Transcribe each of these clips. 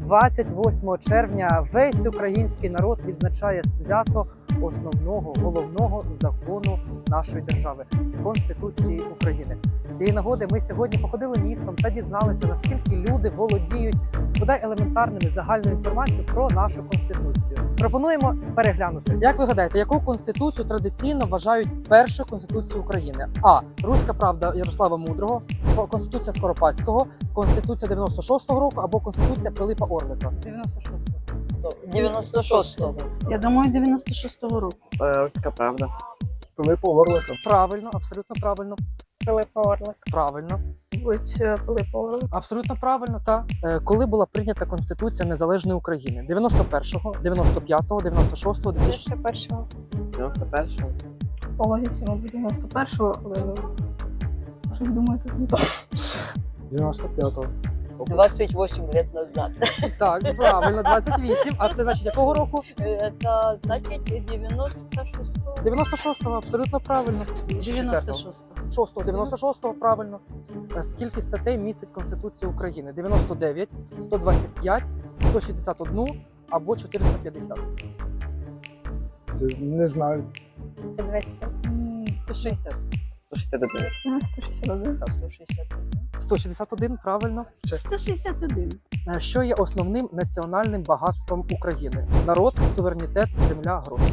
28 червня весь український народ відзначає свято основного, головного закону нашої держави – Конституції України. З цієї нагоди ми сьогодні походили містом та дізналися, наскільки люди володіють бодай елементарними загальною інформацією про нашу Конституцію. Пропонуємо переглянути. Як ви гадаєте, яку Конституцію традиційно вважають першою Конституцією України? А. Руська правда Ярослава Мудрого, Конституція Скоропадського, Конституція 96-го року або Конституція Пилипа Орлика? 96-го. 96-го. Я думаю, 96-го року. Руська правда. Пилипа Орлика. Правильно, абсолютно правильно. Пилипа Орлик. Правильно. Будь Пилипа Орлик. Абсолютно правильно, та. Коли була прийнята Конституція Незалежної України? 91-го, 95-го, 96-го, 2000... 91-го. 91-го. По логіці, мабуть, 91-го, але щось думаю, тут не так. 95-го. 28 лет назад. Так, правильно, 28. А це значить якого року? Это значит 96-го. 96-го, абсолютно правильно. 96-го. 96-го, правильно. Скільки статей містить Конституція України? 99, 125, 161 або 450? Це не знаю. 25. 160. 161. 161. Так, 161. 161, правильно. 161. Що є основним національним багатством України? Народ, суверенітет, земля, гроші.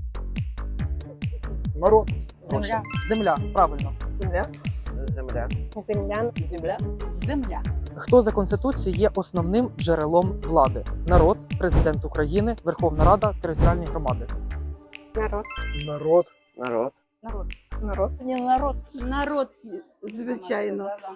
Народ. Земля. Земля, правильно. Земля. Земля. Землян. Земля. Земля. Хто за Конституцією є основним джерелом влади? Народ, президент України, Верховна Рада, територіальні громади. Народ. Народ. Народ. Народ. Народ. Не народ. Народ, звичайно.